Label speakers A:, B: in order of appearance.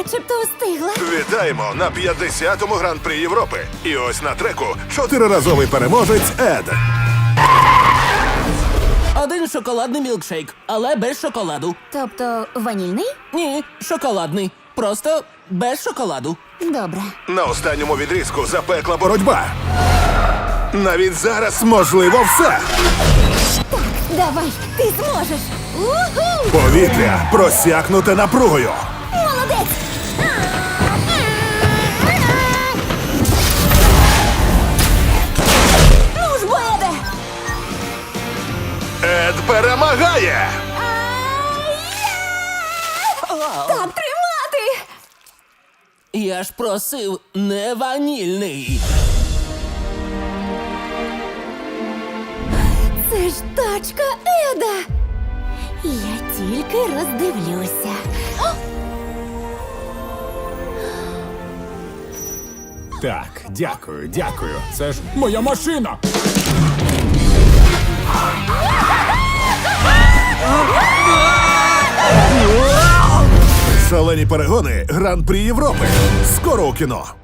A: начебто встигла.
B: Вітаємо на 50-му гран-прі Європи. І ось на треку 4-разовий переможець Ед.
C: Один шоколадний мілкшейк, але без шоколаду.
A: Тобто ванільний?
C: Ні, шоколадний. Просто без шоколаду.
A: Добре.
B: На останньому відрізку запекла боротьба. Навіть зараз можливо все.
A: Давай, ти зможеш. Уху!
B: Повітря просякнуте напругою.
A: Молодець! Ну ж, Боеде!
B: Ед перемагає!
A: Так тримати!
C: Я ж просив не ванільний.
A: Це ж тачка Еда! Я тільки роздивлюся.
D: Так, дякую. Це ж моя машина.
B: Шалені перегони Гран-прі Європи. Скоро у кіно.